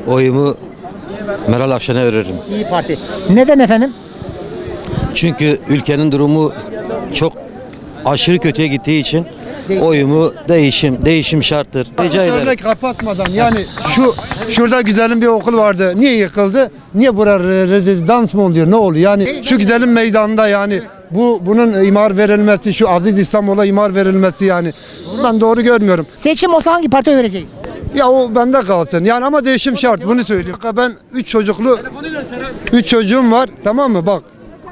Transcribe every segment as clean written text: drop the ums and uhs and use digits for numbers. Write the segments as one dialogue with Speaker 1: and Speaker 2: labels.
Speaker 1: oyumu Meral Akşener'e veririm.
Speaker 2: İyi Parti. Neden efendim?
Speaker 1: Çünkü ülkenin durumu çok aşırı kötüye gittiği için oyumu değişim şarttır. Rica ederim.
Speaker 3: Örnek kapatmadan yani şurada güzelim bir okul vardı. Niye yıkıldı? Niye burada rezidans mı oluyor? Ne oluyor? Yani şu güzelim meydanda yani bunun imar verilmesi, şu Aziz İstanbul'a imar verilmesi yani ben doğru görmüyorum.
Speaker 2: Seçim olsa hangi partiye vereceğiz?
Speaker 3: Ya o bende kalsın. Yani ama değişim şart. Bunu söyleyeyim. Ben 3 çocuğum var. Tamam mı? Bak.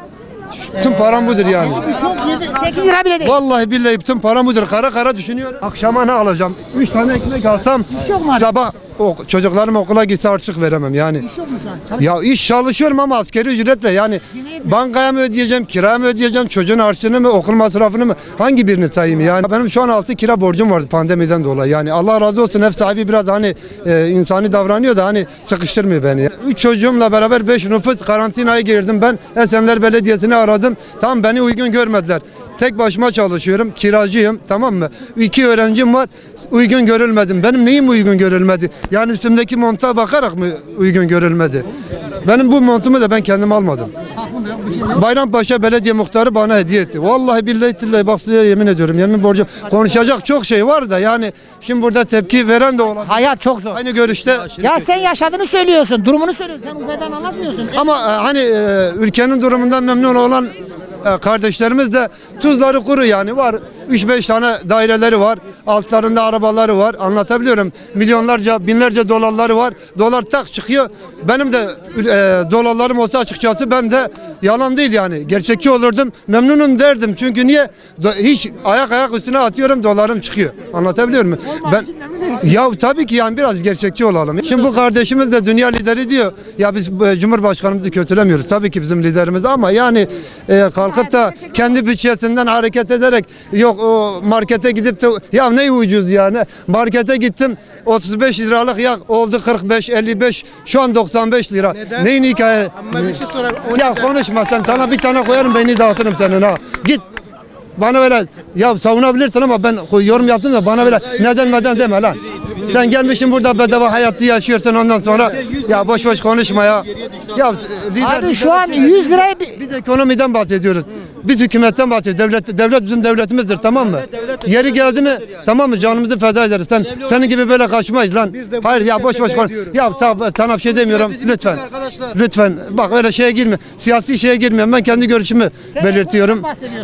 Speaker 3: Tüm param budur yani.
Speaker 2: Çok 8 lira bile değil.
Speaker 3: Vallahi billahi bütün param budur. Kara kara düşünüyorum. Akşama ne alacağım? 3 tane ekmek alsam
Speaker 2: yok mu abi?
Speaker 3: sabah çocuklarım okula gitse harçlık veremem yani.
Speaker 2: İş yok mu şu an?
Speaker 3: Ya iş çalışıyorum ama askeri ücretle yani bankaya mı ödeyeceğim, kira mı ödeyeceğim, çocuğun harçlığını mı, okul masrafını mı, hangi birini sayayım yani? Benim şu an 6 kira borcum vardı pandemiden dolayı yani Allah razı olsun ev sahibi biraz hani insani davranıyor da hani sıkıştırmıyor beni. 3 çocuğumla beraber 5 nüfus karantinaya girdim ben Esenler Belediyesi'ni aradım tam beni uygun görmediler. Tek başıma çalışıyorum, kiracıyım tamam mı? 2 öğrencim var, uygun görülmedim. Benim neyim uygun görülmedi? Yani üstümdeki monta bakarak mı uygun görülmedi? Benim bu montumu da ben kendim almadım. Bayrampaşa Belediye Muhtarı bana hediye etti. Vallahi billahi tillahi bak size yemin ediyorum, yemin borcum. Konuşacak çok şey var da yani şimdi burada tepki veren de olabilir.
Speaker 2: Hayat çok zor.
Speaker 3: Aynı görüşte.
Speaker 2: Ya sen yaşadığını söylüyorsun, durumunu söylüyorsun. Sen uzaydan anlatmıyorsun.
Speaker 3: Ama hani ülkenin durumundan memnun olan kardeşlerimiz de tuzları kuru yani var 3-5 tane daireleri var altlarında arabaları var anlatabiliyorum milyonlarca binlerce dolarları var dolar tak çıkıyor benim de dolarlarım olsa açıkçası ben de yalan değil yani gerçekçi olurdum memnunum derdim çünkü niye hiç ayak üstüne atıyorum dolarım çıkıyor anlatabiliyor muyum ben ya tabii ki yani biraz gerçekçi olalım şimdi bu kardeşimiz de dünya lideri diyor ya biz Cumhurbaşkanımızı kötülemiyoruz tabii ki bizim liderimiz ama yani kalkıp da kendi bütçesinden hareket ederek yok o markete gidip de ya ne ucuz yani markete gittim 35 liralık ya oldu 45 55 şu an 95 lira. Neden? Neyin hikaye?
Speaker 4: Ama bir şey sorayım.
Speaker 3: Ya konuşma sen sana bir tane koyarım beni dağıtırım senin ha. Git. Bana böyle ya savunabilirsin ama ben yorum yaptım da bana böyle neden deme lan. Sen gelmişsin burada bedava hayatı yaşıyorsun ondan sonra ya boş konuşma ya. Ya
Speaker 2: Abi şu an 100 liraya
Speaker 3: biz ekonomiden bahsediyoruz. Biz hükümetten bahsediyoruz. Devlet bizim devletimizdir tamam mı? Yeri geldi mi tamam mı canımızı feda ederiz. Senin gibi böyle kaçmayız lan. Hayır ya boş konuş. Ya sana bir şey demiyorum lütfen. Lütfen bak öyle şeye girme. Siyasi şeye girmiyorum. Ben kendi görüşümü belirtiyorum.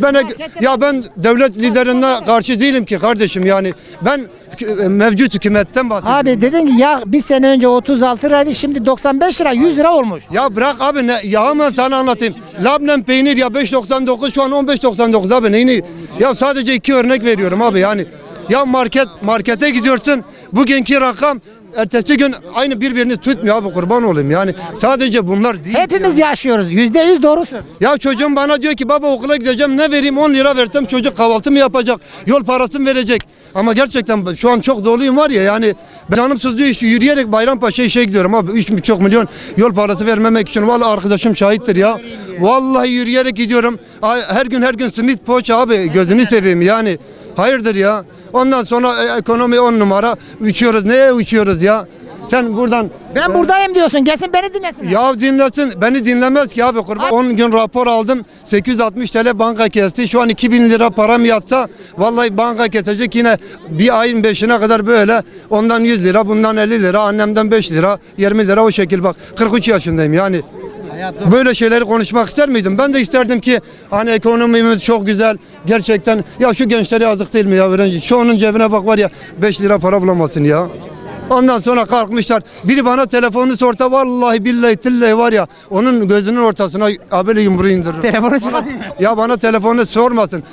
Speaker 3: Ben devlet liderine karşı değilim ki kardeşim yani. Ben mevcut hükümetten bahsediyorum.
Speaker 2: Abi dedin ki ya bir sene önce 36 liraydı şimdi 95 lira 100 lira olmuş.
Speaker 3: Ya bırak abi ne yağı mı sana anlatayım. Labnem peynir ya 5.99 şu an 15.99 abi neyini? Ya sadece 2 örnek veriyorum abi yani. Ya markete gidiyorsun bugünkü rakam ertesi gün aynı birbirini tutmuyor abi kurban olayım yani sadece bunlar değil.
Speaker 2: Hepimiz yaşıyoruz %100 doğrusun.
Speaker 3: Ya çocuğum bana diyor ki baba okula gideceğim ne vereyim 10 lira versem çocuk kahvaltı mı yapacak yol parası mı verecek ama gerçekten şu an çok doluyum var ya yani canım sızlıyor yürüyerek Bayrampaşa'ya gidiyorum abi 3,5 milyon yol parası vermemek için vallahi arkadaşım şahittir ya vallahi yürüyerek gidiyorum her gün simit poğaça abi gözünü seveyim yani hayırdır ya ondan sonra ekonomi 10 numara uçuyoruz neye uçuyoruz ya sen buradan
Speaker 2: Ben buradayım diyorsun gelsin beni dinlesin.
Speaker 3: ya dinlesin beni dinlemez ki abi kurban 10 gün rapor aldım 860 TL banka kesti şu an 2000 lira param yatsa vallahi banka kesecek yine bir ayın 5'ine kadar böyle ondan 100 lira bundan 50 lira annemden 5 lira 20 lira o şekil bak 43 yaşındayım yani. Böyle şeyleri konuşmak ister miydim? Ben de isterdim ki hani ekonomimiz çok güzel. Gerçekten ya şu gençlere yazık değil mi ya öğrenci? Şu onun cebine bak var ya 5 lira para bulamasın ya. Ondan sonra kalkmışlar. Biri bana telefonunu sorsa vallahi billahi tillahi var ya onun gözünün ortasına böyle yumruğu indiririm.
Speaker 2: Telefonu çıkar.
Speaker 3: Ya bana telefonu sormasın.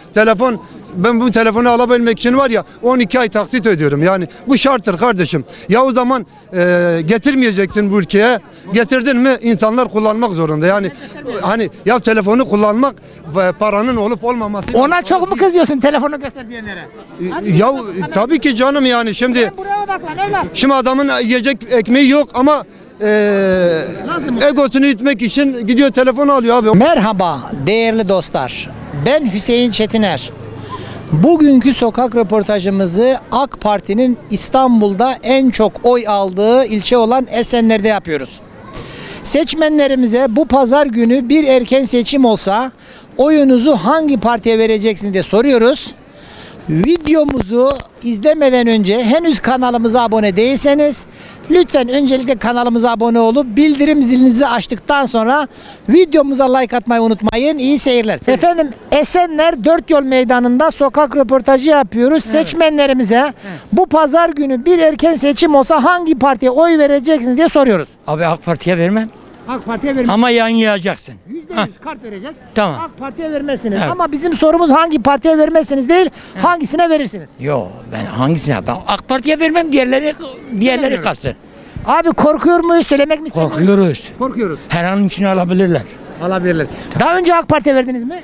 Speaker 3: Ben bu telefonu alabilmek için var ya 12 ay taksit ödüyorum. Yani bu şarttır kardeşim. Ya o zaman getirmeyeceksin bu ülkeye. Getirdin mi insanlar kullanmak zorunda. Yani hani ya telefonu kullanmak ve paranın olup olmaması.
Speaker 2: Ona çok mu kızıyorsun telefonu göster diyenlere?
Speaker 3: Ya tabii ki canım yani şimdi.
Speaker 2: Sen buraya odaklan evlat.
Speaker 3: Şimdi adamın yiyecek ekmeği yok ama egosunu itmek için gidiyor telefon alıyor abi.
Speaker 2: Merhaba değerli dostlar. Ben Hüseyin Çetiner. Bugünkü sokak röportajımızı AK Parti'nin İstanbul'da en çok oy aldığı ilçe olan Esenler'de yapıyoruz. Seçmenlerimize bu pazar günü bir erken seçim olsa oyunuzu hangi partiye vereceksiniz diye soruyoruz. Videomuzu izlemeden önce henüz kanalımıza abone değilseniz lütfen öncelikle kanalımıza abone olup bildirim zilinizi açtıktan sonra videomuza like atmayı unutmayın. İyi seyirler. Efendim Esenler Dört Yol Meydanı'nda sokak röportajı yapıyoruz. Seçmenlerimize bu pazar günü bir erken seçim olsa hangi partiye oy vereceksiniz diye soruyoruz.
Speaker 4: Abi AK Parti'ye vermem
Speaker 2: AK Parti'ye vermez.
Speaker 4: ama yayınlayacaksın.
Speaker 2: %100 kart vereceğiz.
Speaker 4: Tamam.
Speaker 2: AK Parti'ye vermezsiniz.
Speaker 4: Evet.
Speaker 2: Ama bizim sorumuz hangi partiye vermezsiniz değil, hangisine verirsiniz?
Speaker 4: Yo ben hangisine? Ben AK Parti'ye vermem, diğerleri kalsın.
Speaker 2: Abi korkuyor muyuz? Söylemek mi istemiyoruz?
Speaker 4: Korkuyoruz.
Speaker 2: Korkuyoruz.
Speaker 4: Her an için alabilirler.
Speaker 2: Alabilirler. Daha önce AK Parti'ye verdiniz mi?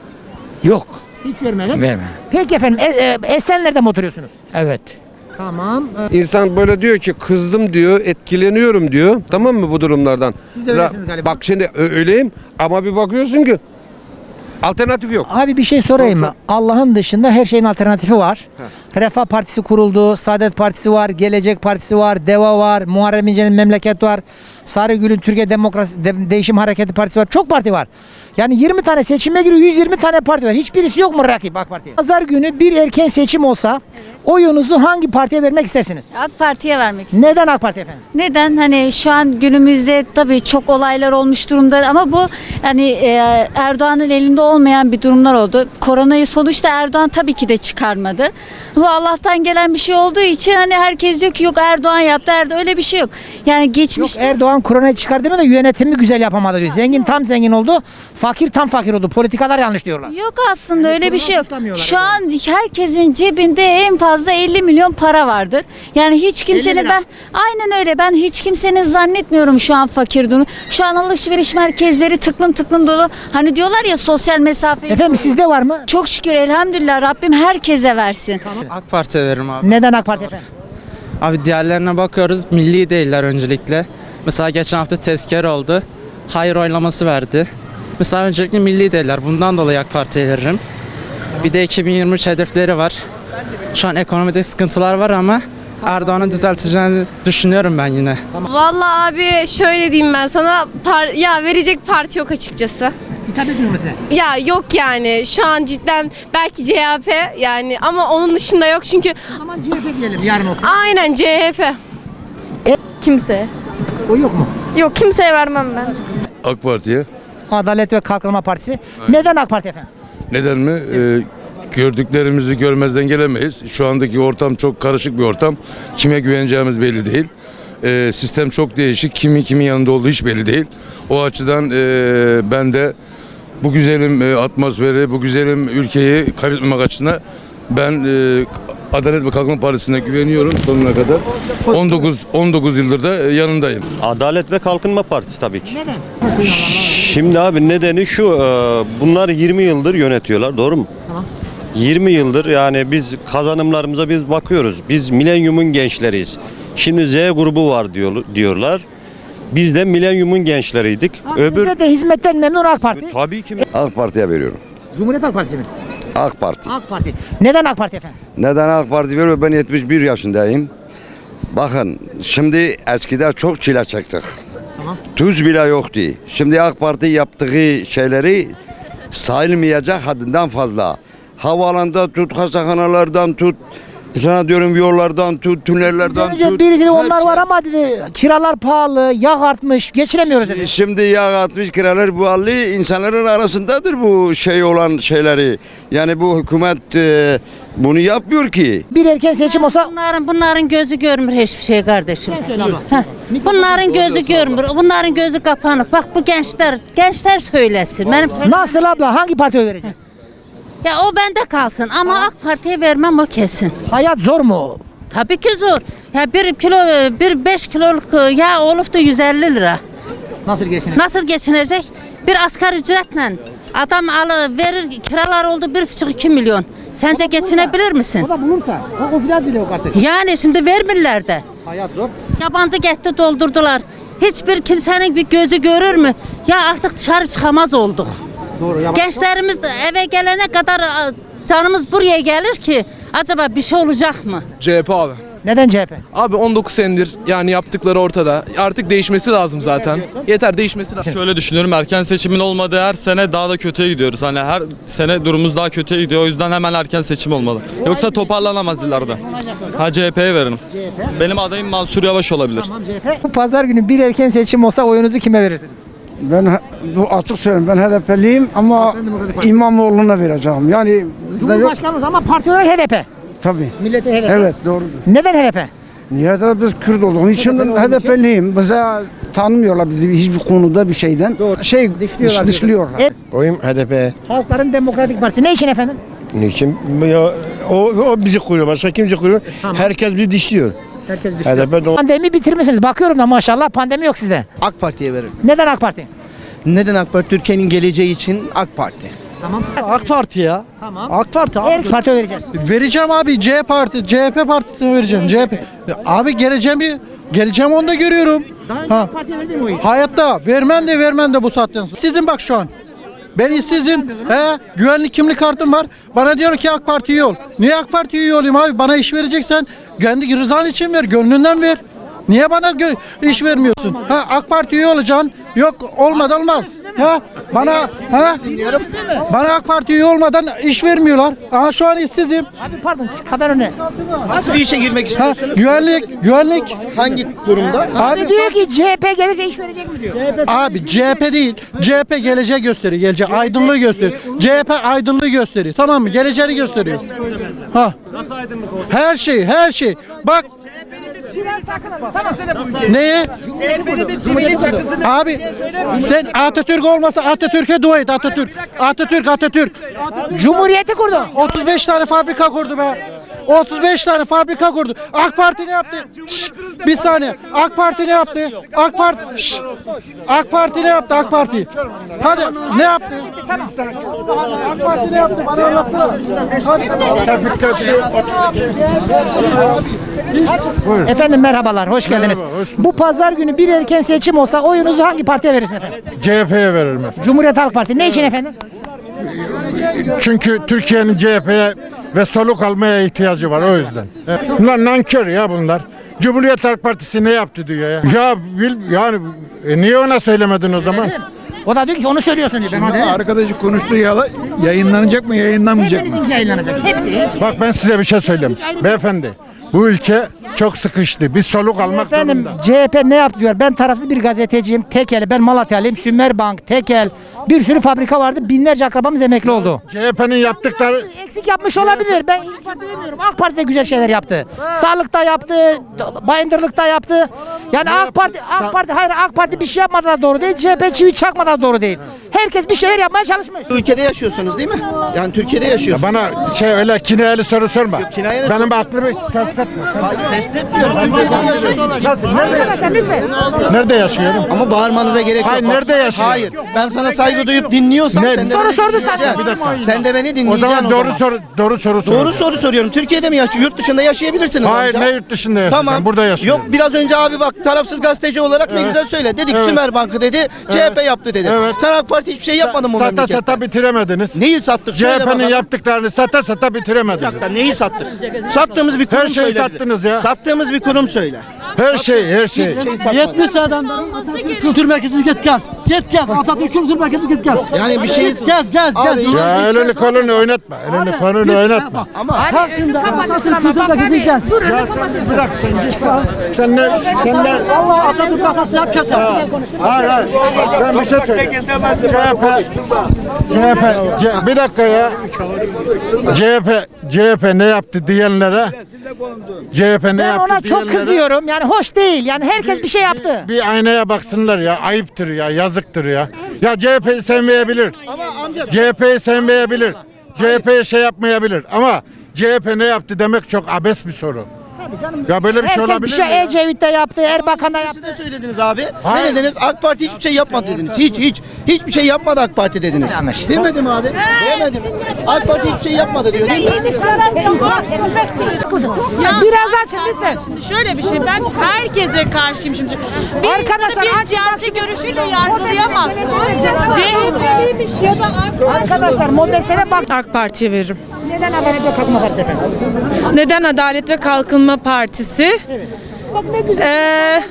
Speaker 4: Yok,
Speaker 2: Hiç vermedim.
Speaker 4: vermem.
Speaker 2: Peki efendim Esenler'de mi oturuyorsunuz?
Speaker 4: Evet.
Speaker 2: Tamam.
Speaker 5: İnsan böyle diyor ki kızdım diyor, etkileniyorum diyor. Tamam mı bu durumlardan?
Speaker 2: Siz de öylesiniz galiba.
Speaker 5: Bak şimdi öyleyim ama bir bakıyorsun ki alternatif yok.
Speaker 2: Abi bir şey sorayım mı? Allah'ın dışında her şeyin alternatifi var. Refah Partisi kuruldu, Saadet Partisi var, Gelecek Partisi var, DEVA var, Muharrem İnce'nin Memleket var, Sarıgül'ün Türkiye Değişim Hareketi Partisi var. Çok parti var. Yani 20 tane seçime giriyor, 120 tane parti var. Hiçbirisi yok mu rakip AK Parti'ye? Pazar günü bir erken seçim olsa oyunuzu hangi partiye vermek istersiniz?
Speaker 6: AK Parti'ye vermek istiyorum.
Speaker 2: Neden AK Parti efendim?
Speaker 6: Neden? Hani şu an günümüzde tabii çok olaylar olmuş durumda ama bu hani Erdoğan'ın elinde olmayan bir durumlar oldu. Koronayı sonuçta Erdoğan tabii ki de çıkarmadı. Bu Allah'tan gelen bir şey olduğu için hani herkes diyor ki yok Erdoğan yaptı. öyle bir şey yok. Yani
Speaker 2: Yok
Speaker 6: geçmişte
Speaker 2: Erdoğan koronayı çıkardı mı da yönetimi güzel yapamadı diyor. Zengin tam zengin oldu, fakir tam fakir oldu. Politikalar yanlış diyorlar.
Speaker 6: yok aslında öyle bir şey yok.
Speaker 2: suçlamıyorlar
Speaker 6: Şu an herkesin cebinde en fazla 50 milyon para vardır. Yani hiç kimsenin
Speaker 2: lira.
Speaker 6: aynen öyle ben hiç kimsenin zannetmiyorum şu an fakir durumu. Şu an alışveriş merkezleri tıklım dolu. Hani diyorlar ya sosyal mesafe.
Speaker 2: Efendim sizde var mı?
Speaker 6: Çok şükür elhamdülillah Rabbim herkese versin.
Speaker 7: AK Parti'ye veririm abi.
Speaker 2: Neden AK Parti efendim?
Speaker 7: Abi diğerlerine bakıyoruz. Milli değiller öncelikle. Mesela geçen hafta tezkere oldu. Hayır oylaması verdi. Mesela öncelikle milli değiller. Bundan dolayı AK Parti'ye veririm. Bir de 2023 hedefleri var. Şu an ekonomide sıkıntılar var ama Erdoğan'ın düzelteceğini düşünüyorum ben yine.
Speaker 8: Vallahi abi şöyle diyeyim ben sana ya verecek parti yok açıkçası.
Speaker 2: Hitap etmiyor mu size?
Speaker 8: Ya yok yani şu an cidden belki CHP yani ama onun dışında yok çünkü
Speaker 2: O zaman CHP diyelim yarın olsun.
Speaker 8: aynen CHP. Kimse.
Speaker 2: O yok mu?
Speaker 8: Yok kimseye vermem ben.
Speaker 9: AK Parti'ye.
Speaker 2: Adalet ve Kalkınma Partisi. Neden AK Parti efendim?
Speaker 9: Neden mi? Gördüklerimizi görmezden gelemeyiz. Şu andaki ortam çok karışık bir ortam. Kime güveneceğimiz belli değil. Sistem çok değişik. Kimin yanında olduğu hiç belli değil. O açıdan ben de bu güzelim atmosferi, bu güzelim ülkeyi kaybetmemek açısından ben Adalet ve Kalkınma Partisi'ne güveniyorum sonuna kadar. 19 yıldır da yanındayım.
Speaker 10: Adalet ve Kalkınma Partisi tabii ki.
Speaker 2: Neden?
Speaker 10: Şimdi abi nedeni şu, bunlar 20 yıldır yönetiyorlar, doğru mu?
Speaker 2: Tamam.
Speaker 10: 20 yıldır yani biz kazanımlarımıza biz bakıyoruz. Biz milenyumun gençleriyiz. Şimdi Z grubu var diyorlar. Biz de milenyumun gençleriydik.
Speaker 2: Size de hizmetten memnun AK Parti.
Speaker 10: Tabii ki
Speaker 11: AK Parti'ye veriyorum.
Speaker 2: Cumhuriyet Halk Partisi mi?
Speaker 11: AK Parti.
Speaker 2: AK Parti. Neden AK Parti efendim?
Speaker 11: Neden AK Parti veriyor? Ben 71 yaşındayım. Bakın şimdi eskiden çok çile çektik.
Speaker 2: Tamam.
Speaker 11: Tuz bile yoktu. Şimdi AK Parti yaptığı şeyleri sayılmayacak haddinden fazla. Havalanda tut, hastanelerden tut, sana diyorum yollardan tut, tünellerden
Speaker 2: Önce
Speaker 11: tut.
Speaker 2: birisi de
Speaker 11: Her
Speaker 2: onlar
Speaker 11: şey.
Speaker 2: var ama dedi kiralar pahalı, yağ artmış, geçinemiyoruz dedi.
Speaker 11: Şimdi yağ atmış kiralar bu insanların arasındadır bu şey olan şeyleri. Yani bu hükümet bunu yapmıyor ki.
Speaker 2: Bir erken seçim olsa
Speaker 12: Bunların gözü görmür hiçbir şey kardeşim.
Speaker 2: sen söyle abla.
Speaker 12: Heh. Bunların gözü görmür. Bunların gözü kapanık. Bak bu gençler söylesin. Benim
Speaker 2: Nasıl abla hangi partiye oy vereceğiz?
Speaker 12: Ya o bende kalsın ama AK Parti'ye vermem o kesin.
Speaker 2: Hayat zor mu?
Speaker 12: Tabii ki zor. Ya bir 5 kiloluk yağ olup da 150 lira.
Speaker 2: Nasıl geçinir?
Speaker 12: Nasıl geçinecek? Bir asgari ücretle adam verir kiralar oldu 1,5-2 milyon. Sence geçinebilir misin?
Speaker 2: O da bulursa. O fiyat bile yok artık.
Speaker 12: Yani şimdi vermirler de.
Speaker 2: Hayat zor.
Speaker 12: Yabancı gitti doldurdular. Hiçbir kimsenin bir gözü görür mü? Ya artık dışarı çıkamaz olduk.
Speaker 2: Doğru.
Speaker 12: Gençlerimiz eve gelene kadar canımız buraya gelir ki acaba bir şey olacak mı?
Speaker 13: CHP abi.
Speaker 2: Neden CHP?
Speaker 13: Abi 19 senedir yani yaptıkları ortada. Artık değişmesi lazım zaten. Yeter değişmesi lazım.
Speaker 14: Şöyle düşünüyorum, erken seçimin olmadığı her sene daha da kötüye gidiyoruz. Hani her sene durumumuz daha kötüye gidiyor. O yüzden hemen erken seçim olmalı. Yoksa toparlanamaz ileride. CHP'ye veririm. Benim adayım Mansur Yavaş olabilir.
Speaker 2: Bu pazar günü bir erken seçim olsa oyunuzu kime verirsiniz?
Speaker 15: Ben bu açık söyleyeyim, ben HDP'liyim ama İmamoğlu'na vereceğim. Yani
Speaker 2: Cumhurbaşkanımız ama parti olarak HDP.
Speaker 15: tabii.
Speaker 2: Milleti HDP.
Speaker 15: Evet, doğrudur.
Speaker 2: Neden HDP?
Speaker 15: Niye de biz Kürt olduğumuz için ben HDP'liyim. Bize tanımıyorlar bizi hiçbir konuda bir şeyden. Dışlıyorlar.
Speaker 16: Oyum HDP.
Speaker 2: Halkların Demokratik Partisi. Ne için efendim?
Speaker 16: Niçin? Ya, o bizi kuruyor. Başka kimse kuruyor. Herkes bizi dişliyor.
Speaker 2: Herkes
Speaker 16: HDP
Speaker 2: Pandemi bitirmişsiniz. Bakıyorum da maşallah pandemi yok sizde.
Speaker 17: AK Parti'ye veririm.
Speaker 2: Neden AK Parti?
Speaker 17: Neden AK Parti? Türkiye'nin geleceği için AK Parti.
Speaker 2: Tamam.
Speaker 17: AK Parti ya.
Speaker 2: Tamam.
Speaker 17: AK Parti abi.
Speaker 2: Her parti vereceğiz.
Speaker 18: Vereceğim abi CHP partisine vereceğim. CHP. Abi geleceğim onu da görüyorum.
Speaker 2: Daha önce AK Parti'ye verdin mi oyu?
Speaker 18: Hayatta vermem de bu saatten sonra. Sizin bak şu an. Ben işsizim. Güvenlik kimlik kartım var. Bana diyor ki AK Parti üye ol. Niye AK Parti üye olayım abi? Bana iş vereceksen kendi rızan için ver. Gönlünden ver. Niye bana iş vermiyorsun? AK Parti üye olacaksın. Yok olmadı olmaz. Bana AK Parti üye olmadan iş vermiyorlar. Şu an işsizim.
Speaker 2: Abi pardon haber önüne.
Speaker 17: Nasıl bir işe girmek istiyorsunuz?
Speaker 18: Güvenlik.
Speaker 17: Hangi durumda?
Speaker 2: Abi diyor ki CHP gelirse iş verecek mi diyor.
Speaker 18: Abi CHP değil. CHP geleceği gösteriyor. Aydınlığı gösteriyor. CHP aydınlığı gösteriyor. Tamam mı? Geleceğini gösteriyor. Her şey. Bak. Neye? Abi sen Atatürk olmasa Atatürk'e dua et. Atatürk.
Speaker 2: Cumhuriyeti kurdu.
Speaker 18: 35 tane fabrika kurdu be. 35 tane fabrika kurdu. AK Parti ne yaptı? Bir saniye. AK Parti ne yaptı? AK Parti ne yaptı? AK Parti. Hadi ne yaptı? AK Parti ne yaptı? Bana anlatsana.
Speaker 2: Efendim merhabalar, hoş geldiniz. Bu pazar günü bir erken seçim olsa oyunuzu hangi partiye verirsiniz efendim?
Speaker 18: CHP'ye veririm efendim.
Speaker 2: Cumhuriyet Halk Partisi. Ne için efendim?
Speaker 18: Çünkü Türkiye'nin CHP'ye ve soluk almaya ihtiyacı var o yüzden. Bunlar nankör ya bunlar. Cumhuriyet Halk Partisi ne yaptı diyor ya. Yani niye ona söylemedin o zaman?
Speaker 2: O da diyor ki onu söylüyorsun diyor.
Speaker 18: Arkadaşı konuştuğu yayınlanacak mı yayınlanmayacak mı?
Speaker 2: Hepinizinki yayınlanacak. Hepsi.
Speaker 18: Bak ben size bir şey söyleyeyim. Beyefendi bu ülke çok sıkıştı. Biz soluk almak
Speaker 2: Efendim
Speaker 18: zorunda.
Speaker 2: CHP ne yaptı diyor. Ben tarafsız bir gazeteciyim. Tekel, ben Malatyalıyım. Sümerbank, Tekel. Bir sürü fabrika vardı. Binlerce akrabamız emekli oldu.
Speaker 18: CHP'nin yaptıkları...
Speaker 2: Eksik yapmış olabilir. Ben İYİ Parti demiyorum. AK Parti de güzel şeyler yaptı. Sağlıkta yaptı, bayındırlıkta yaptı. Yani AK Parti bir şey yapmadı da doğru değil. CHP çivi çakmadı da doğru değil. Herkes bir şeyler yapmaya çalışmış.
Speaker 17: Ülkede yaşıyorsunuz değil mi? Yani Türkiye'de yaşıyorsunuz.
Speaker 18: Bana öyle kinayeli soru sorma.
Speaker 17: kinayeli
Speaker 18: Benim aklımı test etme.
Speaker 17: Test etmiyorum.
Speaker 2: Arkadaşlar lütfen.
Speaker 18: Nerede yaşıyorum?
Speaker 17: Ama bağırmanıza gerek yok.
Speaker 18: Hayır, nerede yaşıyorsun?
Speaker 17: Hayır. Ben sana saygı duyup dinliyorsam sen de
Speaker 2: Soru
Speaker 17: beni
Speaker 2: sordu
Speaker 17: dinleyeceksin.
Speaker 2: sana. Bir dakika.
Speaker 17: Sen de beni
Speaker 18: O
Speaker 17: dinleyeceksin
Speaker 18: zaman doğru soru sor.
Speaker 17: Doğru soru soruyorum. Türkiye'de mi yaşıyorsun? Yurt dışında yaşayabilirsiniz
Speaker 18: Hayır,
Speaker 17: amca.
Speaker 18: ne yurt dışında yaşayacağım?
Speaker 17: Tamam.
Speaker 18: Burada yaşıyorum.
Speaker 17: Yok biraz önce abi bak tarafsız gazeteci olarak ne güzel söyle. Dedik Sümer Bankı dedi. CHP yaptı dedi.
Speaker 18: Evet.
Speaker 17: Sen AK Parti hiçbir şey yapmadın bu memlekette.
Speaker 18: Sata bitiremediniz.
Speaker 17: Neyi sattık? Söyle
Speaker 18: CHP'nin
Speaker 17: bakalım.
Speaker 18: yaptıklarını sata bitiremediniz.
Speaker 17: Bir dakika, neyi sattık? Sattığımız bir kurum
Speaker 18: Her şeyi
Speaker 17: söyle bize.
Speaker 18: sattınız ya.
Speaker 17: Sattığımız bir kurum söyle.
Speaker 18: Her şey.
Speaker 19: 70 adam Atatürk Kültür Merkezi'ni git gez. Atatürk Kültür Merkezi'ni git gez.
Speaker 17: Yani bir şey...
Speaker 19: Gez.
Speaker 18: Ya elini kolunu oynatma.
Speaker 17: Ama
Speaker 19: Taksim'de Atatürk Kültür Merkezi'ni gez.
Speaker 18: Bırak sen ne?
Speaker 19: Allah Atatürk kasası yap keser.
Speaker 18: Hayır. Ben bir şey söyleyeyim. CHP bir dakika ya. CHP ne yaptı diyenlere? CHP ne
Speaker 2: Ben
Speaker 18: yaptı
Speaker 2: ona çok
Speaker 18: diyenlere
Speaker 2: kızıyorum. Yani hoş değil. Yani herkes bir şey yaptı.
Speaker 18: Bir aynaya baksınlar ya. Ayıptır ya. Yazıktır ya. Ya CHP'yi sevmeyebilir. CHP'yi sevmeyebilir. CHP'ye şey yapmayabilir. Ama CHP ne yaptı demek çok abes bir soru.
Speaker 16: Ya böyle bir şey
Speaker 2: Herkes
Speaker 16: olabilir
Speaker 2: bir şey
Speaker 16: mi ya?
Speaker 2: Ecevit de yaptı, Erbakan da yaptı.
Speaker 17: Siz de söylediniz abi. Ne dediniz? AK Parti hiçbir şey yapmadı dediniz. Hiçbir şey yapmadı AK Parti dediniz.
Speaker 2: Yanlış.
Speaker 17: Demedim abi. Demedim. AK Parti hiçbir şey yapmadı diyor değil mi?
Speaker 2: Biraz açın lütfen.
Speaker 20: Şimdi şöyle bir şey, ben herkese karşıyım şimdi. Bir
Speaker 2: Arkadaşlar,
Speaker 20: insanı bir siyasi görüşüyle yargılayamazsın. CHP'liymiş ya da
Speaker 2: Arkadaşlar mobesene bak.
Speaker 20: AK Parti'ye veririm.
Speaker 2: Neden Adalet ve Kalkınma Partisi efendim?
Speaker 20: Neden Adalet ve Kalkınma Partisi?
Speaker 2: Bak ne güzel.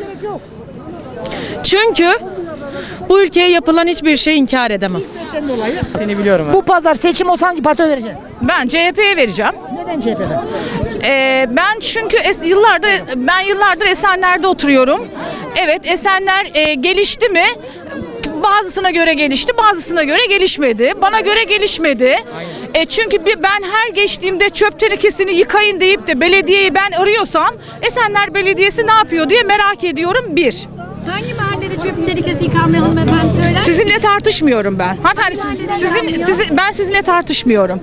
Speaker 20: Çünkü bu ülkeye yapılan hiçbir şeyi inkar edemem.
Speaker 2: Seni biliyorum. Bu pazar seçim olsa hangi partiye vereceğiz?
Speaker 20: Ben CHP'ye vereceğim.
Speaker 2: Neden CHP'den?
Speaker 20: Ben çünkü yıllardır Esenler'de oturuyorum. Evet, Esenler gelişti mi? Bazısına göre gelişti, bazısına göre gelişmedi. Bana göre gelişmedi. Çünkü ben her geçtiğimde çöp tenekesini yıkayın deyip de belediyeyi ben arıyorsam Esenler Belediyesi ne yapıyor diye merak ediyorum bir.
Speaker 21: Hangi mahallede çöp tenekesi yıkanmıyor hanımefendi söyler?
Speaker 20: Sizinle tartışmıyorum ben. Hanımefendi, ben sizinle tartışmıyorum.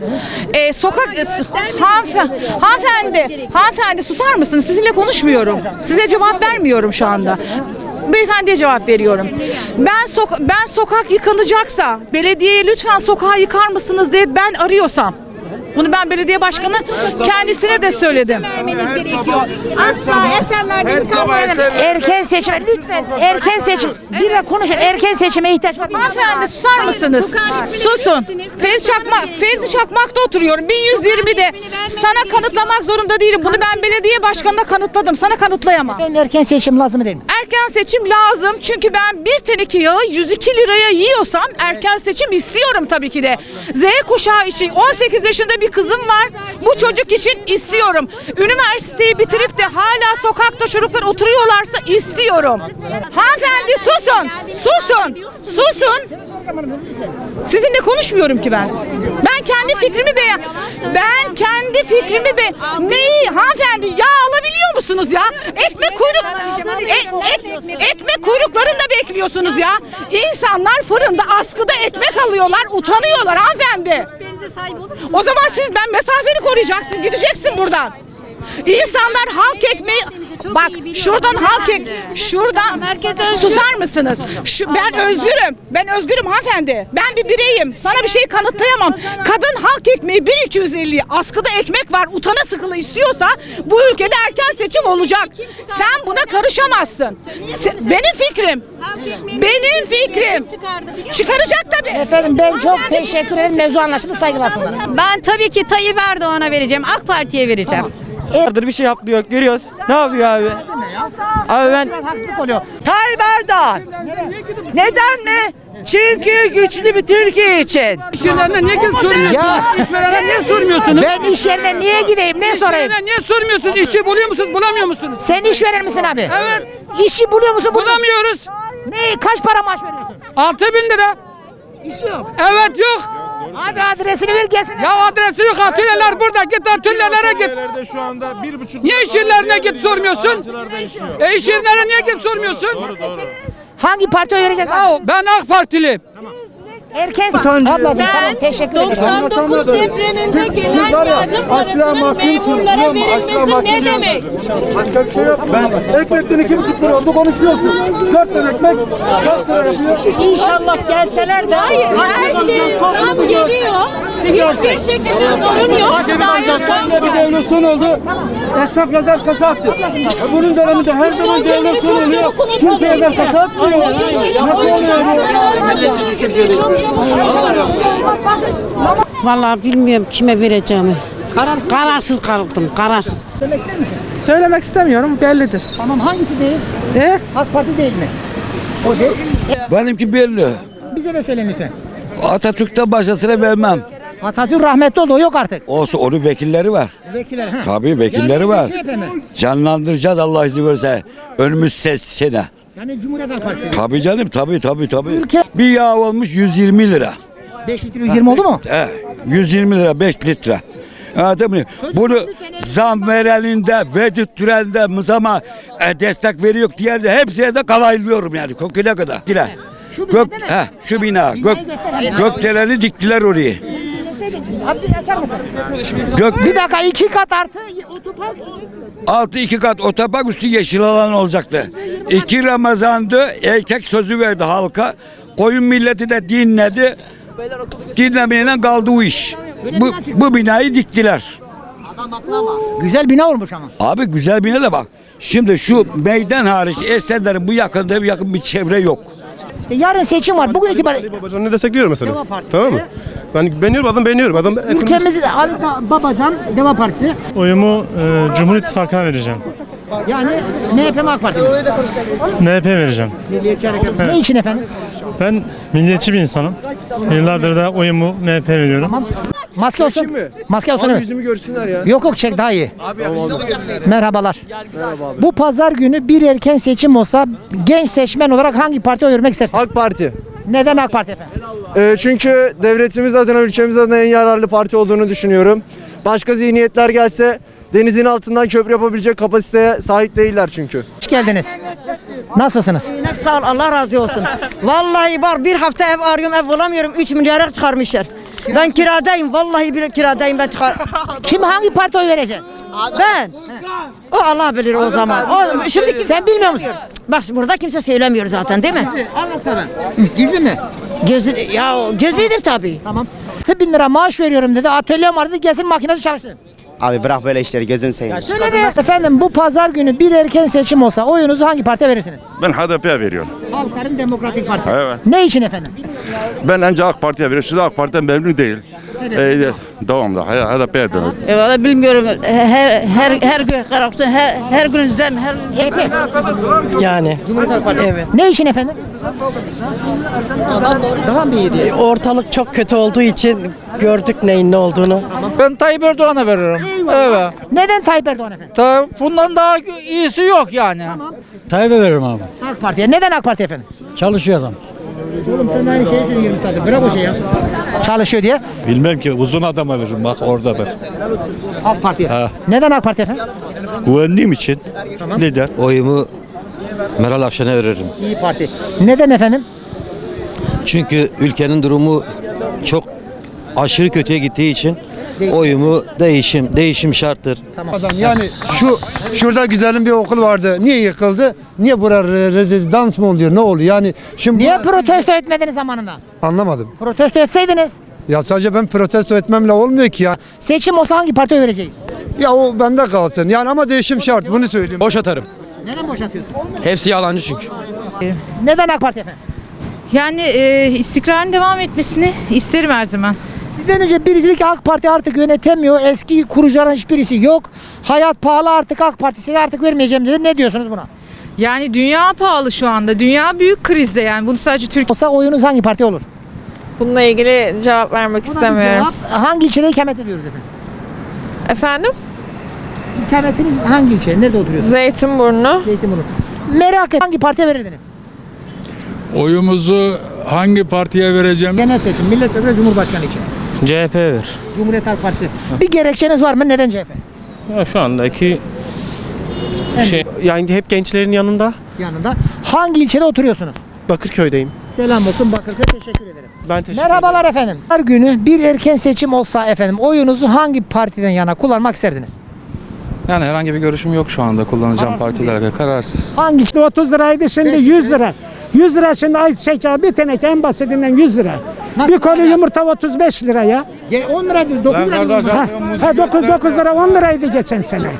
Speaker 20: Hanımefendi susar mısınız? Sizinle konuşmuyorum. Size cevap vermiyorum şu anda. Beyefendiye cevap veriyorum. Ben sokak yıkanacaksa belediyeye lütfen sokağı yıkar mısınız diye ben arıyorsam. Bunu ben belediye başkanı kendisine de söyledim.
Speaker 21: Asla Esenler'de yıkanmıyor.
Speaker 2: Erken seçim lütfen. Erken seçim. Bir de konuşun. Erken seçime ihtiyaç var.
Speaker 20: Hanımefendi susar mısınız? Susun. Fevzi Çakmak'ta oturuyorum. 1120'de. Sana kanıtlamak zorunda değilim. Bunu ben belediye başkanına kanıtladım. Sana kanıtlayamam.
Speaker 2: Benim erken seçim lazım değil mi?
Speaker 20: Erken seçim lazım. Çünkü ben bir teneke yağı 102 liraya yiyorsam erken seçim istiyorum tabii ki de. Z kuşağı için 18 yaşında bir kızım var. Bu çocuk için istiyorum. Üniversiteyi bitirip de hala sokakta çocuklar oturuyorlarsa istiyorum. Hanımefendi susun. Sizinle konuşmuyorum ki ben. Ben kendi fikrimi Neyi hanımefendi yağ alabiliyor musunuz ya? Ekmek kuyruklarında bekliyorsunuz ya. İnsanlar fırında askıda ekmek alıyorlar, utanıyorlar hanımefendi. O zaman ben mesafeni koruyacaksın, gideceksin buradan. İnsanlar halk ekmeği bak şuradan susar mısınız? Ben özgürüm hanımefendi. Ben bir bireyim. Sana bir şey kanıtlayamam. Kadın halk ekmeği 1250 askıda ekmek var. Utana sıkılı istiyorsa bu ülkede erken seçim olacak. Sen buna karışamazsın. Benim fikrim. Çıkaracak tabii.
Speaker 2: Efendim ben çok teşekkür ederim. Mevzu anlaşıldı, saygılar sunarım.
Speaker 21: Ben tabii ki Tayyip Erdoğan'a vereceğim. AK Parti'ye vereceğim.
Speaker 22: Bir şey yapmıyor, görüyoruz. Ne yapıyor abi? Abi ben
Speaker 2: haksızlık oluyor.
Speaker 22: Tayyip Erdoğan. Neden mi? Çünkü güçlü bir Türkiye için.
Speaker 19: İşverenler niye gidip sormuyorsunuz?
Speaker 2: Ya.
Speaker 19: İşverenler niye sormuyorsunuz?
Speaker 2: Ben iş yerine niye gideyim? Ne sorayım?
Speaker 19: İşverenler niye sormuyorsunuz? İşçi buluyor musunuz, bulamıyor musunuz?
Speaker 2: Sen işveren misin abi?
Speaker 19: Evet.
Speaker 2: İşi buluyor musun?
Speaker 19: Bulamıyoruz.
Speaker 2: Ne? Kaç para maaş veriyorsun?
Speaker 19: 6.000 lira.
Speaker 2: İş yok.
Speaker 19: Evet yok.
Speaker 2: Abi adresini ver gelsin.
Speaker 19: Ya adresi yok. Atölyeler burada. Git atölyelere git.
Speaker 16: Atölyelerde şu anda 1,5
Speaker 19: Niye iş yerlerine git sormuyorsun? İş yerlerine niye git sormuyorsun?
Speaker 2: Hangi partiye vereceğiz?
Speaker 19: Ya ben AK Partiliyim.
Speaker 2: Erken ablacığım tamam teşekkür ederim.
Speaker 20: 99 depreminde gelen yardım parasının memurlara verilmesi ne demek?
Speaker 16: Başka bir şey yok. Ekmekten 2,5 lira oldu konuşuyorsun. 4 tane ekmek kaç lira yapıyor?
Speaker 2: İnşallah gelseler de.
Speaker 20: Hayır, her şey zam geliyor. Hiçbir şekilde sorun yok. Gayet zam
Speaker 16: Bir devletson oldu. Esnaf yazar kasa attı. Bunun döneminde her zaman devletson oluyor. Kimse yazar kasa atmıyor. Nasıl oluyor?
Speaker 23: Vallahi bilmiyorum kime vereceğimi. Kararsız kaldım, kararsız.
Speaker 2: Söylemek ister misin?
Speaker 23: Söylemek istemiyorum, bellidir.
Speaker 2: Tamam hangisi değil? AK Parti değil mi? O değil.
Speaker 24: Benimki belli.
Speaker 2: Bize de söyleyin lütfen.
Speaker 24: Atatürk'ten başkasına vermem.
Speaker 2: Atatürk rahmetli oldu, o yok artık.
Speaker 24: Olsa onun vekilleri var.
Speaker 2: Vekiller.
Speaker 24: Tabii vekilleri var. Canlandıracağız Allah izin verirse. Önümüz sene.
Speaker 2: Yani Cumhuriyet Halk Partisi.
Speaker 24: Tabii canım tabii. Bir yağ olmuş 120 lira.
Speaker 2: 5 litre 120 oldu mu?
Speaker 24: 120 lira 5 litre. Tabii. Bunu zam vereninde, verdirttirende, mızama destek veriyor diğer de hepsine de kalaylıyorum yani. Kokuna kadar. Şu bina. Gökdeleni diktiler orayı.
Speaker 2: Abi açar mısın? Bir dakika 2 kat artı otopark
Speaker 24: Altı 2 kat otopark, üstü yeşil alan olacaktı. 2 Ramazan'dı, erkek sözü verdi halka. Koyun milleti de dinledi. Dinlemeyle kaldı o iş. Bu binayı diktiler.
Speaker 2: Güzel bina olmuş ama.
Speaker 24: Abi güzel bina da bak. Şimdi şu meydan hariç Esenler'in bu yakında yakın bir çevre yok.
Speaker 2: Yarın seçim var. Bugün itibariyle
Speaker 1: Ali Babacan'ı destekliyorum mesela.
Speaker 2: Deva Partisi.
Speaker 1: Tamam mı? Ben beğeniyorum. Adam
Speaker 2: ülkemizi Ali Babacan Deva Partisi.
Speaker 1: Oyumu Cumhur İttifakı'na vereceğim.
Speaker 2: Yani MHP mi AK Parti mi?
Speaker 1: MHP vereceğim.
Speaker 2: Milliyetçi Hareket. Ne için efendim?
Speaker 1: Ben milliyetçi bir insanım. Yıllardır da oyumu MHP veriyorum.
Speaker 2: Tamam. Maske olsun. Maske olsun evet.
Speaker 17: Yüzümü görsünler ya.
Speaker 2: Yok çek daha iyi. Merhabalar. Bu pazar günü bir erken seçim olsa genç seçmen olarak hangi partiye oy vermek istersiniz?
Speaker 17: AK Parti.
Speaker 2: Neden AK Parti efendim?
Speaker 17: Çünkü devletimiz adına, ülkemiz adına en yararlı parti olduğunu düşünüyorum. Başka zihniyetler gelse denizin altından köprü yapabilecek kapasiteye sahip değiller çünkü.
Speaker 2: Hoş geldiniz. Nasılsınız?
Speaker 21: Sağ ol, Allah razı olsun. Vallahi var, bir hafta ev arıyorum, ev bulamıyorum. 3 milyara çıkarmışlar. Ben kiradayım, vallahi bir kiradayım ben çıkar.
Speaker 2: Kim hangi partiye oy verecek?
Speaker 21: Ben. O Allah bilir o zaman. O, şimdi
Speaker 2: Sen bilmiyor musun?
Speaker 21: Bak burada kimse söylemiyor zaten değil mi?
Speaker 2: Anlat hemen. Gizli mi?
Speaker 21: Gizlidir tabii.
Speaker 2: Tamam. 1000 lira maaş veriyorum dedi. Atölyem var dedi. Gelsin makinesi çalışsın.
Speaker 17: Abi bırak böyle işleri, gözünü seveyim.
Speaker 2: Söyle de. Efendim bu pazar günü bir erken seçim olsa oyunuzu hangi partiye verirsiniz?
Speaker 3: Ben HDP'ye veriyorum.
Speaker 2: Halkların Demokratik Partisi.
Speaker 3: Evet.
Speaker 2: Ne için efendim?
Speaker 3: Ben önce AK Parti'ye veriyorum. Siz AK Parti'den memnun değil. Devamlı HDP'ye dönüyorum.
Speaker 21: Valla bilmiyorum. Her gün karaksın, her gün zem, her
Speaker 19: Yani.
Speaker 2: Cumhuriyet Halk Partisi.
Speaker 19: Evet.
Speaker 2: Ne için efendim? Daha mı iyi diye?
Speaker 19: Ortalık çok kötü olduğu için gördük neyin ne olduğunu.
Speaker 18: Ben Tayyip Erdoğan'a veririm. Evet.
Speaker 2: Neden Tayyip Erdoğan efendim?
Speaker 18: Bundan daha iyisi yok yani.
Speaker 19: Tayyip'e veririm abi.
Speaker 2: AK Parti'ye. Neden AK Parti efendim?
Speaker 19: Çalışıyor adam.
Speaker 2: Oğlum sen de aynı şeyi söylüyorsun 20 saattir. Bırak o şeyi ya. Çalışıyor diye.
Speaker 4: Bilmem ki uzun adama veririm bak orada bak.
Speaker 2: AK Parti'ye.
Speaker 4: Ha.
Speaker 2: Neden AK Parti efendim?
Speaker 4: Güvendiğim için lider.
Speaker 10: Oyumu Meral Akşener'e veririm.
Speaker 2: İyi Parti. Neden efendim?
Speaker 10: Çünkü ülkenin durumu çok aşırı kötüye gittiği için oyumu değişim şarttır.
Speaker 17: Yani şurada güzelim bir okul vardı. Niye yıkıldı? Niye buraya rezidans mı oluyor? Ne oluyor? Yani şimdi
Speaker 2: Niye protesto etmediniz zamanında?
Speaker 17: anlamadım.
Speaker 2: Protesto etseydiniz.
Speaker 17: Ya sadece ben protesto etmemle olmuyor ki ya.
Speaker 2: Seçim olsa hangi partiye vereceğiz?
Speaker 17: Ya o bende kalsın. Yani ama değişim şart. Bunu söyleyeyim.
Speaker 7: Boş atarım.
Speaker 2: Neden boşatıyorsun?
Speaker 7: Hepsi yalancı çünkü.
Speaker 2: Neden AK Parti efendim?
Speaker 20: Yani istikrarın devam etmesini isterim her zaman.
Speaker 2: Sizden önce birisi dedi ki AK Parti artık yönetemiyor. Eski kurucuların hiçbirisi yok. Hayat pahalı artık AK Partisi'ne artık vermeyeceğim dedi. Ne diyorsunuz buna?
Speaker 20: Yani dünya pahalı şu anda. Dünya büyük krizde yani. Bunu sadece Türkiye...
Speaker 2: Olsa oyunuz hangi parti olur?
Speaker 8: Bununla ilgili cevap vermek
Speaker 2: Buna bir cevap. Hangi ilçede ikamet ediyoruz efendim?
Speaker 8: Efendim?
Speaker 2: İkametiniz hangi ilçe? Nerede oturuyorsunuz?
Speaker 8: Zeytinburnu.
Speaker 2: Zeytinburnu. Merak et. Hangi partiye verirdiniz?
Speaker 4: Oyumuzu hangi partiye vereceğim?
Speaker 2: Genel seçim. Milletvekili Cumhurbaşkanı için.
Speaker 1: CHP ver.
Speaker 2: Cumhuriyet Halk Partisi. Bir gerekçeniz var mı? Neden CHP?
Speaker 1: Ya şu andaki
Speaker 2: Evet.
Speaker 1: yani hep gençlerin yanında.
Speaker 2: Yanında. Hangi ilçede oturuyorsunuz?
Speaker 1: Bakırköy'deyim.
Speaker 2: Selam olsun Bakırköy. Teşekkür ederim.
Speaker 1: Ben teşekkür
Speaker 2: Merhabalar efendim. Her günü bir erken seçim olsa efendim oyunuzu hangi partiden yana kullanmak isterdiniz?
Speaker 7: Yani herhangi bir görüşüm yok şu anda kullanacağım partilerle kararsız.
Speaker 2: Hangi?
Speaker 19: 30 liraydı şimdi 100 lira. 100 lira şimdi ay bir teneke en basitinden 100 lira.
Speaker 2: Nasıl
Speaker 19: Bir koli yumurta 35 lira ya.
Speaker 2: 10 lira değil, 9 lira değil.
Speaker 19: 9 lira 10 liraydı geçen sene.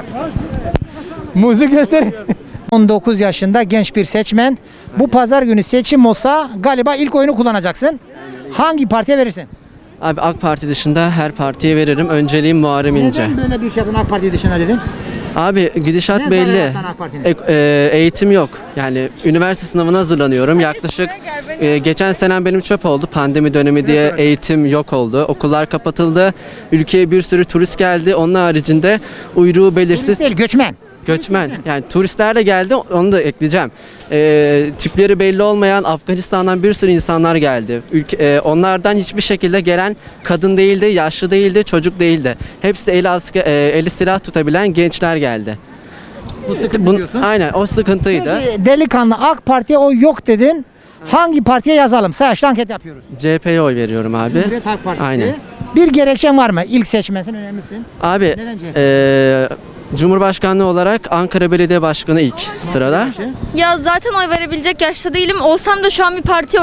Speaker 2: Muzu göster. 19 yaşında genç bir seçmen. Bu pazar günü seçim olsa galiba ilk oyunu kullanacaksın. Hangi partiye verirsin?
Speaker 7: Abi AK Parti dışında her partiye veririm. Önceliğim Muharrem İnce.
Speaker 2: Neden böyle bir şey yaptın AK Parti dışında dedin?
Speaker 7: Abi gidişat
Speaker 2: Ne
Speaker 7: belli.
Speaker 2: zararı sana AK Parti'nin?
Speaker 7: Eğitim yok. Yani üniversite sınavına hazırlanıyorum. Yaklaşık geçen senem benim çöp oldu. Pandemi dönemi diye eğitim yok oldu. Okullar kapatıldı. Ülkeye bir sürü turist geldi. Onun haricinde uyruğu belirsiz.
Speaker 2: Turist değil, göçmen.
Speaker 7: Göçmen. Yani turistler de geldi. Onu da ekleyeceğim. Tipleri belli olmayan Afganistan'dan bir sürü insanlar geldi. Onlardan hiçbir şekilde gelen kadın değildi, yaşlı değildi, çocuk değildi. Hepsi eli silah tutabilen gençler geldi.
Speaker 2: Bu sıkıntı diyorsun.
Speaker 7: Aynen o sıkıntıydı.
Speaker 2: Peki, delikanlı AK Parti'ye oy yok dedin. Hangi partiye yazalım? Sayaçlı anket yapıyoruz.
Speaker 7: CHP'ye oy veriyorum abi.
Speaker 2: Cumhuriyet Halk Partisi.
Speaker 7: Aynen.
Speaker 2: Bir gerekçen var mı? İlk seçmensin, önemlisin.
Speaker 7: Abi
Speaker 2: Neden CHP?
Speaker 7: Cumhurbaşkanlığı olarak Ankara Belediye Başkanı ilk sırada.
Speaker 8: Ya zaten oy verebilecek yaşta değilim. Olsam da şu an bir partiye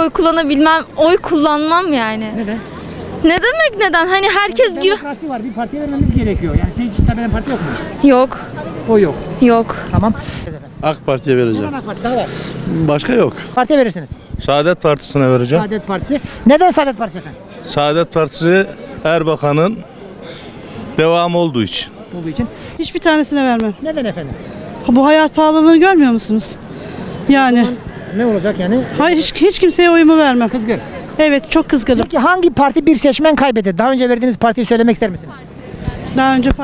Speaker 8: oy kullanmam yani.
Speaker 2: Neden?
Speaker 8: Ne demek neden? Hani herkes gibi...
Speaker 2: Demokrasi var. Bir partiye vermemiz gerekiyor. Yani senin hitap eden parti yok mu?
Speaker 8: Yok.
Speaker 2: O yok.
Speaker 8: Yok.
Speaker 2: Tamam.
Speaker 5: AK Parti'ye vereceğim.
Speaker 2: Neden AK Parti? Daha var.
Speaker 5: Başka yok.
Speaker 2: Partiye verirsiniz.
Speaker 5: Saadet Partisi'ne vereceğim.
Speaker 2: Saadet Partisi. Neden Saadet Partisi efendim?
Speaker 5: Saadet Partisi Erbakan'ın devamı olduğu için.
Speaker 2: Olduğu için.
Speaker 19: Hiçbir tanesine vermem.
Speaker 2: Neden efendim?
Speaker 19: Bu hayat pahalılığını görmüyor musunuz? Yani.
Speaker 2: Ne olacak yani?
Speaker 19: Hayır hiç kimseye oyumu vermem.
Speaker 2: Kızgın.
Speaker 19: Evet çok kızgınım.
Speaker 2: Peki hangi parti bir seçmen kaybetti? Daha önce verdiğiniz partiyi söylemek ister misiniz?
Speaker 19: Daha önce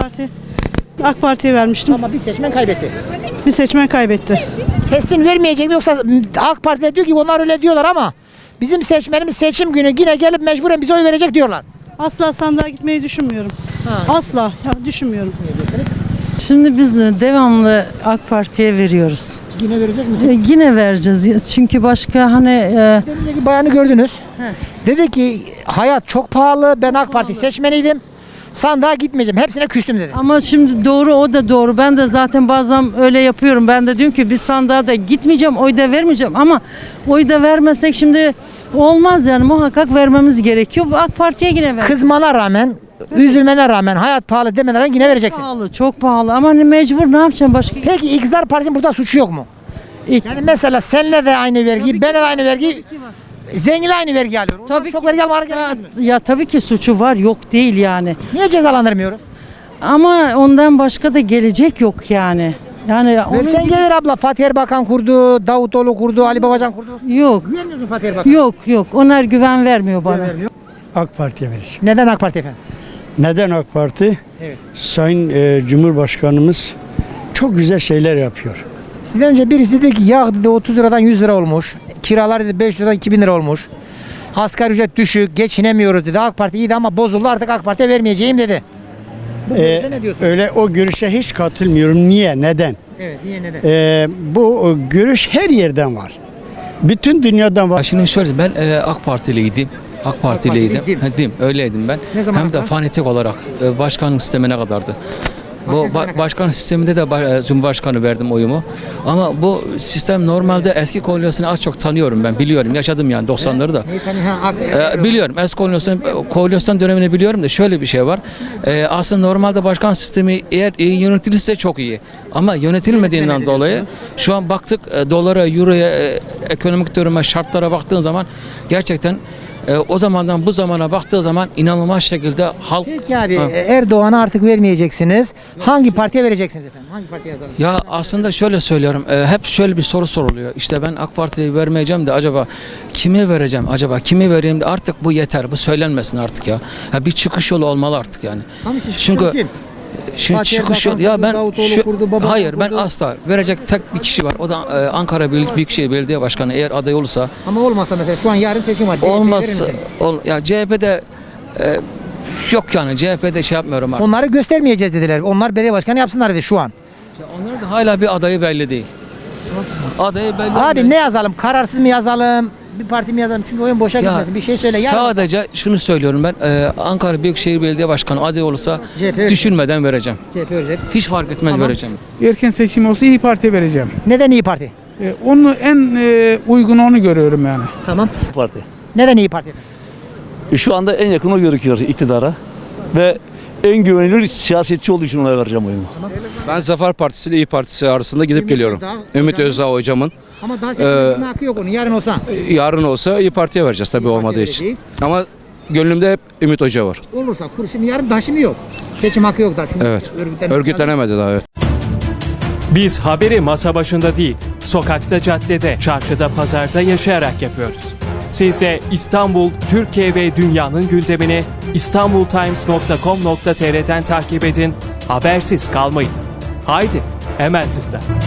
Speaker 19: AK Parti'ye vermiştim.
Speaker 2: Ama bir seçmen kaybetti.
Speaker 19: Bir seçmen kaybetti.
Speaker 2: Kesin vermeyecek mi yoksa AK Parti'de diyor ki onlar öyle diyorlar ama bizim seçmenimiz seçim günü yine gelip mecburen bize oy verecek diyorlar.
Speaker 19: Asla sandığa gitmeyi düşünmüyorum. Asla düşünmüyorum.
Speaker 23: Şimdi biz de devamlı AK Parti'ye veriyoruz.
Speaker 2: Yine verecek misin?
Speaker 23: Yine vereceğiz. Çünkü başka hani...
Speaker 2: Denizdeki bayanı gördünüz. Dedi ki hayat çok pahalı. Ben AK Parti seçmeniydim. Sandığa gitmeyeceğim. Hepsine küstüm dedi.
Speaker 23: Ama şimdi doğru, o da doğru. Ben de zaten bazen öyle yapıyorum. Ben de diyorum ki bir sandığa da gitmeyeceğim, oy da vermeyeceğim. Ama oy da vermezsek şimdi olmaz yani, muhakkak vermemiz gerekiyor. AK Parti'ye yine ver.
Speaker 2: Kızmana rağmen, üzülmene rağmen, hayat pahalı demene rağmen yine vereceksin.
Speaker 23: Pahalı, çok pahalı ama hani mecbur, ne yapacağım başka?
Speaker 2: Peki iktidar partisinin burada suçu yok mu? Yani mesela seninle de aynı vergi, benle de aynı vergi, zenginle aynı vergi alıyor. Tabii çok vergi almaları gerekmez mi?
Speaker 23: Ya tabii ki suçu var, yok değil yani.
Speaker 2: Niye cezalandırmıyoruz?
Speaker 23: Ama ondan başka da gelecek yok yani. Yani
Speaker 2: Versen gelir abla. Fatih Erbakan kurdu, Davutoğlu kurdu, Ali Babacan kurdu.
Speaker 23: Yok.
Speaker 2: Güvenmiyor musun Fatih Erbakan?
Speaker 23: Yok. Onlar güven vermiyor bana.
Speaker 15: AK Parti'ye vereceğim.
Speaker 2: Neden AK Parti efendim?
Speaker 15: Neden AK Parti?
Speaker 2: Evet.
Speaker 15: Sayın Cumhurbaşkanımız çok güzel şeyler yapıyor.
Speaker 2: Sizden önce birisi dedi ki yağ dedi 30 liradan 100 lira olmuş. Kiralar dedi 5 liradan 2000 lira olmuş. Asgari ücret düşük, geçinemiyoruz dedi. AK Parti iyiydi ama bozuldu, artık AK Parti'ye vermeyeceğim dedi. Bu görüşe ne diyorsun?
Speaker 15: Öyle o görüşe hiç katılmıyorum. Niye? Neden?
Speaker 2: Evet, niye neden?
Speaker 15: Bu görüş her yerden var. Bütün dünyadan var.
Speaker 6: Şimdi şöyle, ben AK Partiliydim. AK Partiliydim. Öyleydim ben.
Speaker 2: Ne zaman
Speaker 6: Hem de fanatik olarak başkanlık sistemine kadardı. Bu başkan sisteminde de Cumhurbaşkanı verdim oyumu. Ama bu sistem normalde eski koalisyonu az çok tanıyorum ben. Biliyorum. Yaşadım yani 90'ları da. Biliyorum. Eski koalisyon dönemini biliyorum da şöyle bir şey var. Aslında normalde başkan sistemi eğer iyi yönetilirse çok iyi. Ama yönetilmediğinden dolayı şu an baktık dolara, euroya, ekonomik duruma, şartlara baktığın zaman gerçekten o zamandan bu zamana baktığı zaman inanılmaz şekilde halk...
Speaker 2: Peki abi Erdoğan'a artık vermeyeceksiniz. Hangi partiye vereceksiniz efendim? Hangi partiye yazalım?
Speaker 6: Ya aslında şöyle söylüyorum. Hep şöyle bir soru soruluyor. İşte ben AK Parti'yi vermeyeceğim de acaba kime vereceğim? Acaba kimi vereyim de artık bu yeter. Bu söylenmesin artık ya. Bir çıkış yolu olmalı artık yani. Çünkü
Speaker 2: kim?
Speaker 6: Şimdi çıkış yolu ya ben hayır ben asla verecek tek bir kişi var. O da Ankara Büyükşehir Belediye Başkanı eğer aday olursa.
Speaker 2: Ama olmasa mesela şu an yarın seçim var.
Speaker 6: Olmaz. Ya CHP'de yok yani CHP'de şey yapmıyorum artık.
Speaker 2: Onları göstermeyeceğiz dediler. Onlar belediye başkanı yapsınlar dedi şu an.
Speaker 6: Onlar da hala bir adayı belli değil. Adayı belli.
Speaker 2: Abi ne yazalım? Kararsız mı yazalım? Bir parti mi yazalım? Çünkü oyun boşa gitmesin. Bir şey söyle.
Speaker 6: Sadece şunu söylüyorum ben. Ankara Büyükşehir Belediye Başkanı aday olursa düşünmeden vereceğim.
Speaker 2: CHP verecek.
Speaker 6: Hiç fark etmez vereceğim.
Speaker 9: Erken seçim olsa İyi Parti'ye vereceğim.
Speaker 2: Neden İyi Parti?
Speaker 9: Onu en uygun onu görüyorum yani.
Speaker 2: Tamam.
Speaker 11: Parti.
Speaker 2: Neden İyi Parti?
Speaker 11: Şu anda en yakın o gözüküyor iktidara ve en güvenilir siyasetçi olduğu için ona vereceğim oyumu.
Speaker 2: Tamam.
Speaker 25: Ben Zafer Partisi ile İyi Partisi arasında gidip geliyorum. Ümit Özdağ hocamın.
Speaker 2: Ama daha seçim gitme hakkı yok onun. Yarın olsa.
Speaker 25: Yarın olsa İyi Parti'ye vereceğiz tabii olmadığı için. Ama gönlümde hep Ümit Hoca var.
Speaker 2: Olursa şimdi yarın daha şimdi yok. Seçim hakkı yok daha. Çünkü
Speaker 25: evet. Örgütlenemedi daha evet.
Speaker 26: Biz haberi masa başında değil, sokakta, caddede, çarşıda, pazarda yaşayarak yapıyoruz. Siz de İstanbul, Türkiye ve dünyanın gündemini istanbultimes.com.tr'den takip edin, habersiz kalmayın. Haydi, hemen tıkla.